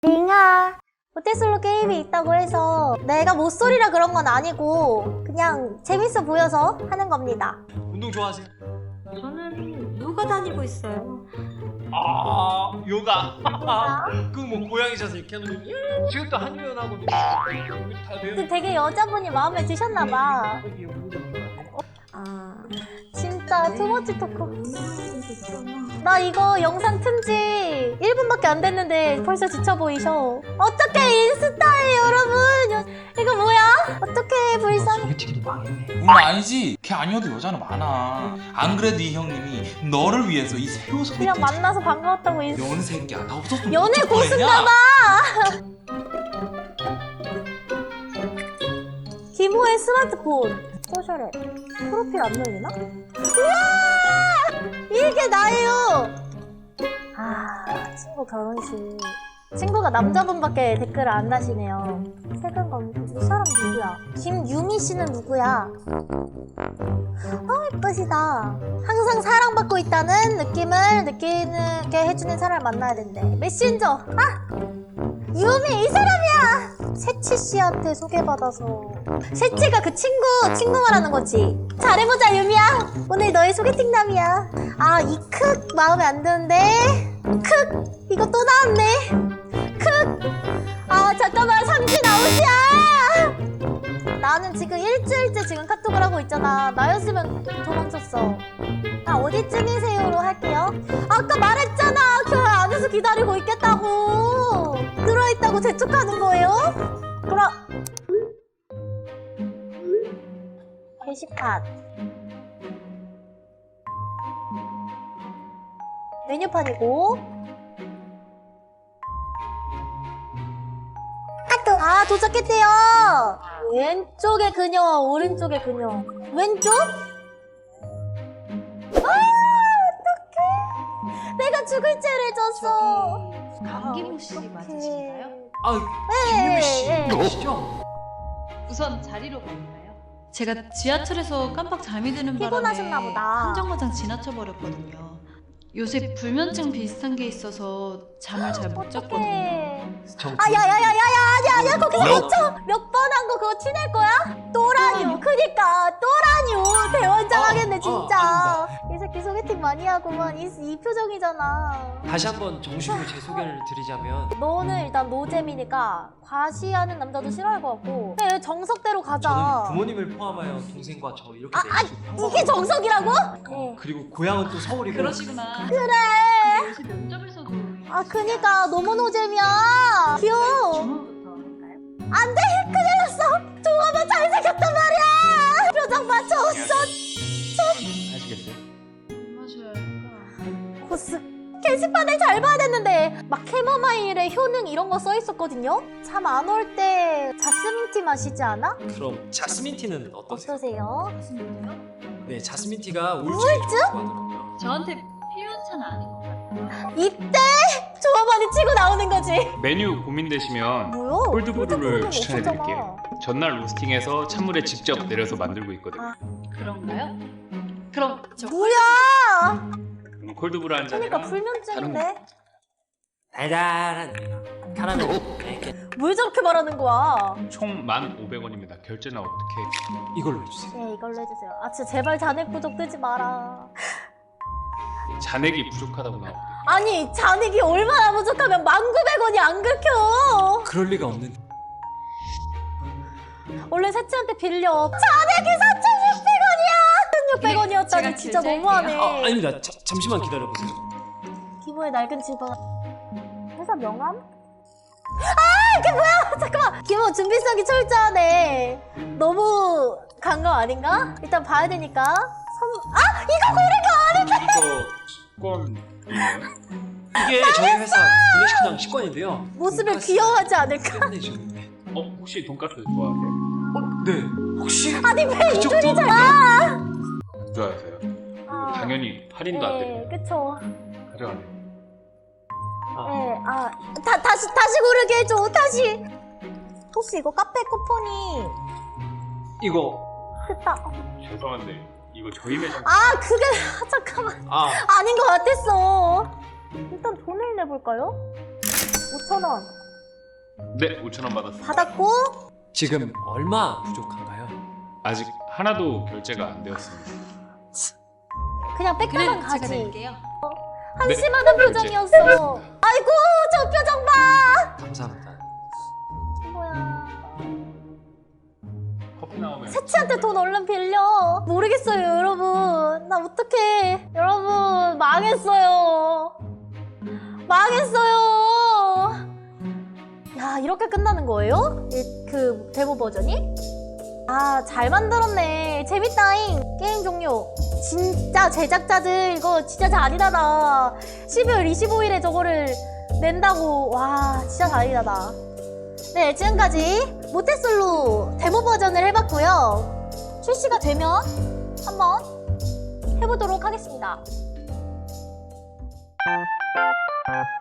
링아, 모태솔로 게임이 있다고 해서 내가 못소리라 그런 건 아니고 그냥 재밌어 보여서 하는 겁니다. 운동 좋아하세요? 저는 요가 다니고 있어요. 아, 요가. 요가? 그 뭐 고양이셔서 이렇게 하는 거. 지금 또 한유연하고 다 근데 되게 여자분이 마음에 드셨나봐. 진짜 투머치 토크. 나 이거 영상 튼지 1분밖에 안 됐는데 벌써 지쳐 보이셔. 어떡해, 인스타에 여러분. 이거 뭐야? 어떡해, 불쌍해. 소개팅도 망했네. 아니지. 걔 아니어도 여자는 많아. 안 그래도 이 형님이 너를 위해서 이 새우 소개팅 그냥 만나서 반가웠다고 인스타. 연 새끼야. 나 없었으면 연애 어쩔 뻔했냐? 고수인가봐. 김호의 스마트폰. 소셜에 프로필 안 열리나? 우와! 이게 나예요! 친구 결혼식. 친구가 남자분밖에 댓글을 안 다시네요. 최근 검색. 이 사람 누구야? 김유미 씨는 누구야? 예쁘시다. 항상 사랑받고 있다는 느낌을 느끼게 해주는 사람을 만나야 된대. 메신저! 유미! 이 사람이야! 세치 씨한테 소개받아서. 세치가 그 친구 말하는 거지. 잘해보자, 유미야. 오늘 너의 소개팅남이야. 이 크 마음에 안 드는데. 크 이거 또 나왔네. 크 잠깐만, 삼진 아웃이야. 나는 지금 일주일째 지금 카톡을 하고 있잖아. 나였으면 도망쳤어. 어디쯤이세요로 할게요. 아까 말했잖아. 교회 안에서 기다리고 있겠다고. 들어있다고 재촉하는 거예요? 게시판. 메뉴판이고. 도착했대요. 왼쪽에 그녀, 오른쪽에 그녀. 왼쪽? 어떡해. 내가 죽을 죄를 졌어. 강기무 씨 맞으신가요? 김유미 씨시죠? 우선 자리로 갈까요? 제가 지하철에서 깜빡 잠이 드는 바람에 피곤하셨나 보다. 한 정거장 지나쳐 버렸거든요. 요새 불면증 비슷한 게 있어서 잠을 잘 못 잤거든요. 야야야야야, 거기서 몇 번 한 거 그거 티낼 거야? 또라뇨. 그니까 또라뇨. 대원장하겠네 진짜. 이 새끼 소개팅 많이 하고만. 이 표정이잖아. 다시 한번 정식으로 제 소개를 드리자면 너는 일단 노잼이니까 과시하는 남자도 싫어할 것 같고. 그래, 정석대로 가자. 저는 부모님을 포함하여 동생과 저 이렇게 이게 정석이라고? 네. 그리고 고향은 또 서울이고. 그러시구나. 그래. 요새 면접에서도 그니까 너무 노잼이야. 귀여워. 주문부터 할까요? 안 돼! 큰일 났어! 종업원 잘생겼단 말이야! 표정 맞춰! 아시겠어요? 마셔야 할까? 코스. 게시판을 잘 봐야 됐는데 막 캐모마일의 효능 이런 거 써있었거든요? 잠 안 올 때 자스민티 마시지 않아? 그럼 자스민티는 어떠세요? 어떠세요? 무슨데요? 네, 자스민티가 우울증에 좋다고 하더라고요. 저한테 필요한 차는 아닌 것 같아요. 이때 종업원이 치고 나오는 거지. 메뉴 고민되시면 뭐야? 콜드브루를 콜드브루는 추천해드릴게요. 전날 로스팅해서 찬물에 직접 내려서 만들고 있거든요. 그런가요? 그럼 저 뭐야? 콜드브루 한 잔이랑 그러니까 불면증인데? 달달한 카라멜. 뭘 저렇게 말하는 거야? 총 1,500원입니다. 결제는 어떻게? 이걸로 해주세요. 네, 이걸로 해주세요. 진짜 제발 잔액 부족 뜨지 마라. 잔액이 부족하다고 나오거든요. 아니, 잔액이 얼마나 부족하면 19,000원이 안 긁혀. 그럴 리가 없는. 원래 세치한테 빌려. 잔액이 4,600원이야. 1,600원이었다니 제가 진짜 결제할게요. 너무하네. 아닙니다. 잠시만 기다려보세요. 기모의 낡은 집안. 회사 명함? 이게 뭐야? 잠깐만. 기모 준비성이 철저하네. 너무 간 거 아닌가? 일단 봐야 되니까. 이거 고른 거 아닌데? 이거 수건이에요? 이게 저희 회사 구내식당 식권인데요. 모습을 돈가스 귀여워하지 않을까? 끝내주는데. 혹시 돈가스 좋아하세요? 네. 혹시 아니, 왜 이 그쪽도 둘이 잘. 좋아하세요? 이거 당연히 할인도 안 네, 됩니다. 그쵸. 가져가세요. 네, 다시 고르게 해줘, 다시. 혹시 이거 카페 쿠폰이 이거 됐다. 죄송한데 이거 저희 매장 그게, 잠깐만. 아 아닌 것 같았어. 일단 돈을 내볼까요? 5,000원. 네, 5,000원 받았습니다. 받았고 지금 얼마 부족한가요? 아직 하나도 결제가 안 되었습니다. 그냥 그래, 빽다방 제가 가지. 낼게요. 한심하던 네, 표정이었어. 아이고 저 표정 봐. 감사합니다. 뭐야. 커피 나오면 세치한테 돈 얼른 빌려. 모르겠어요 여러분. 나 어떡해. 여러분 망했어요. 망했어요. 야 이렇게 끝나는 거예요? 그 데모 버전이? 아 잘 만들었네. 재밌다잉. 게임 종료. 진짜 제작자들 이거 진짜 잔인하다. 12월 25일에 저거를 낸다고. 와 진짜 잔인하다. 네 지금까지 모태솔로 데모 버전을 해봤고요. 출시가 되면 한번 해보도록 하겠습니다.